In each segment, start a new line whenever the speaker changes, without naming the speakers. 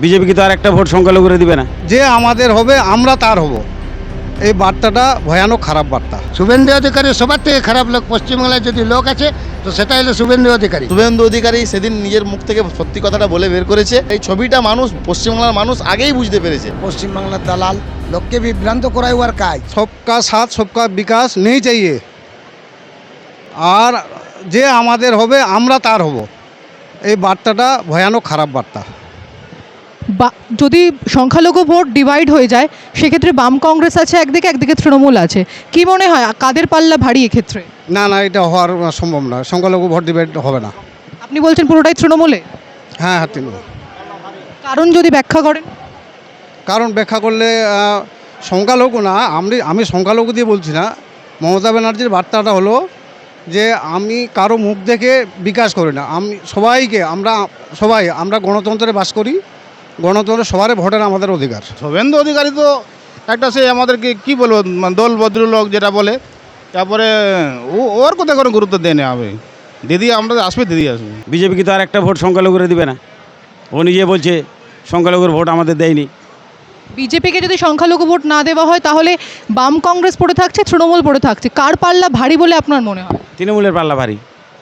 BJP কি তো আর একটা ভোট সংখ্যালঘুরে দিবে না?
যে আমাদের হবে আমরা তার হব, এই বার্তাটা ভয়ানক খারাপ বার্তা।
শুভেন্দু অধিকারী সবার থেকে খারাপ লোক পশ্চিমবাংলায় যদি লোক আছে তো সেটা হলো শুভেন্দু অধিকারী।
শুভেন্দু অধিকারী সেদিন নিজের মুখ থেকে সত্যি কথাটা বলে বের করেছে। এই ছবিটা মানুষ, পশ্চিমবাংলার মানুষ আগেই বুঝতে পেরেছে।
পশ্চিমবাংলার দালাল লোককে বিভ্রান্ত করাই ওর কাজ।
সবকা সাথ সবকা বিকাশ নেই চাইয়ে, আর যে আমাদের হবে আমরা তার হব, এই বার্তাটা ভয়ানক খারাপ বার্তা।
যদি সংখ্যালঘু ভোট ডিভাইড হয়ে যায় সেক্ষেত্রে বাম কংগ্রেস আছে একদিকে, একদিকে তৃণমূল আছে, কি মনে হয় কাদের পাল্লা ভারী এক্ষেত্রে?
না না, এটা হওয়ার সম্ভব নয়, সংখ্যালঘু ভোট ডিবেট হবে না।
আপনি বলছেন পুরোটাই তৃণমূলে?
হ্যাঁ হ্যাঁ, তৃণমূল।
কারণ যদি ব্যাখ্যা করেন।
কারণ ব্যাখ্যা করলে সংখ্যালঘু না, আমি সংখ্যালঘু দিয়ে বলছি না। মমতা ব্যানার্জির বার্তাটা হলো যে আমি কারো মুখ দেখে বিকাশ করি না, আমি সবাইকে, আমরা গণতন্ত্রে বাস করি, গণতন্ত্রে সবার ভোটের আমাদের অধিকার।
শুভেন্দু অধিকারী তো একটা সে আমাদেরকে কি বলবো, দল ভদ্রলোক যেটা বলে, তারপরে ওর কোথায় কোনো গুরুত্ব দেয় না। হবে দিদি আমরা আসবে, দিদি আসবে।
বিজেপি কি তো আর একটা ভোট সংখ্যালঘুরে দিবে না? ও নিজে বলছে সংখ্যালঘুর ভোট আমাদের দেয়নি।
বিজেপিকে যদি সংখ্যালঘু ভোট না দেওয়া হয় তাহলে বাম কংগ্রেস পড়ে থাকছে, তৃণমূল পড়ে থাকছে, কার পাল্লা ভারী বলে আপনার মনে হয়?
তৃণমূলের পাল্লা ভারী।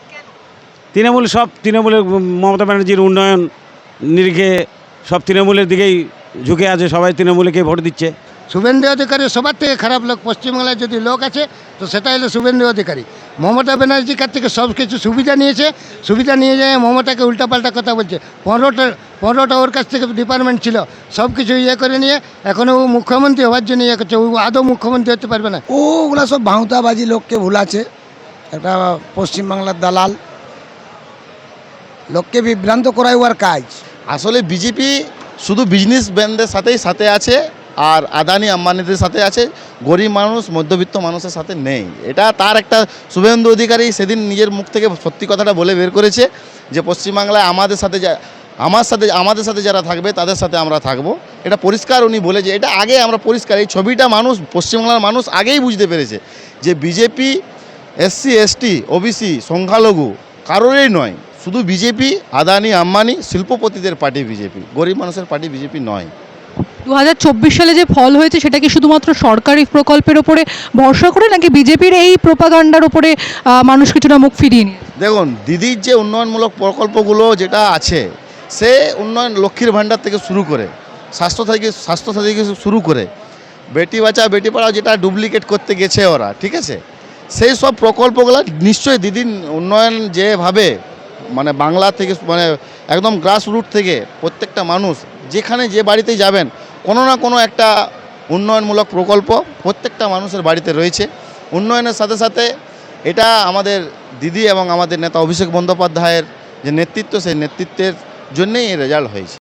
তৃণমূলের মমতা ব্যানার্জির উন্নয়ন নিরিখে সব তৃণমূলের দিকেই ঝুঁকে আছে, সবাই তৃণমূলকে ভোট দিচ্ছে।
শুভেন্দু অধিকারী সবার থেকে খারাপ লোক পশ্চিমবাংলায় যদি লোক আছে তো সেটা হলো শুভেন্দু অধিকারী। মমতা ব্যানার্জির কাছ থেকে সব কিছু সুবিধা নিয়েছে, সুবিধা নিয়ে যায় মমতাকে উল্টাপাল্টা কথা বলছে। 15টা ওর কাছ থেকে ডিপার্টমেন্ট ছিল, সব কিছু ইয়ে করে নিয়ে এখনও ও মুখ্যমন্ত্রী হওয়ার জন্য ইয়ে করছে। ও আদৌ মুখ্যমন্ত্রী হতে পারবে না। ওগুলা সব ভাঁওতাবাজি লোককে ভুলাছে, একটা পশ্চিমবাংলার দালাল লোককে বিভ্রান্ত করাই ওর কাজ।
আসলে বিজেপি শুধু বিজনেসম্যানদের সাথে আছে, আর আদানি আম্বানিদের সাথে আছে, গরিব মানুষ মধ্যবিত্ত মানুষের সাথে নেই। এটা তার একটা, শুভেন্দু অধিকারী সেদিন নিজের মুখ থেকে সত্যি কথাটা বলে বের করেছে যে পশ্চিমবাংলায় আমাদের সাথে যারা থাকবে তাদের সাথে আমরা থাকব। এটা পরিষ্কার উনি বলেছে, এটা আগে আমরা পরিষ্কার, এই ছবিটা মানুষ, পশ্চিমবাংলার মানুষ আগেই বুঝতে পেরেছে যে বিজেপি SC ST OBC সংখ্যালঘু কারোরই নয়, শুধু বিজেপি আদানি আম্বানি শিল্পপতিদের পার্টি বিজেপি, গরিব মানুষের পার্টি বিজেপি নয়।
2024 সালে যে ফল হয়েছে সেটা কি শুধুমাত্র সরকারি প্রকল্পের ওপরে ভরসা করে, নাকি বিজেপির এই প্রোপাগান্ডার ওপরে মানুষ কিছুটা মুখ ফিরিয়ে নিয়ে?
দেখুন, দিদির যে উন্নয়নমূলক প্রকল্পগুলো যেটা আছে, সে উন্নয়ন লক্ষ্মীর ভাণ্ডার থেকে শুরু করে স্বাস্থ্য থেকে শুরু করে বেটি বাঁচা বেটি পড়াও যেটা ডুপ্লিকেট করতে গেছে ওরা, ঠিক আছে, সেই সব প্রকল্পগুলো নিশ্চয়ই দিদির উন্নয়ন যেভাবে, মানে বাংলা থেকে, মানে একদম গ্রাস রুট থেকে প্রত্যেকটা মানুষ যেখানে যে বাড়িতেই যাবেন কোনো না কোনো একটা উন্নয়নমূলক প্রকল্প প্রত্যেকটা মানুষের বাড়িতে রয়েছে। উন্নয়নের সাথে সাথে এটা আমাদের দিদি এবং আমাদের নেতা অভিষেক বন্দ্যোপাধ্যায়ের যে নেতৃত্ব, সেই নেতৃত্বের জন্যেই এই রেজাল্ট হয়েছে।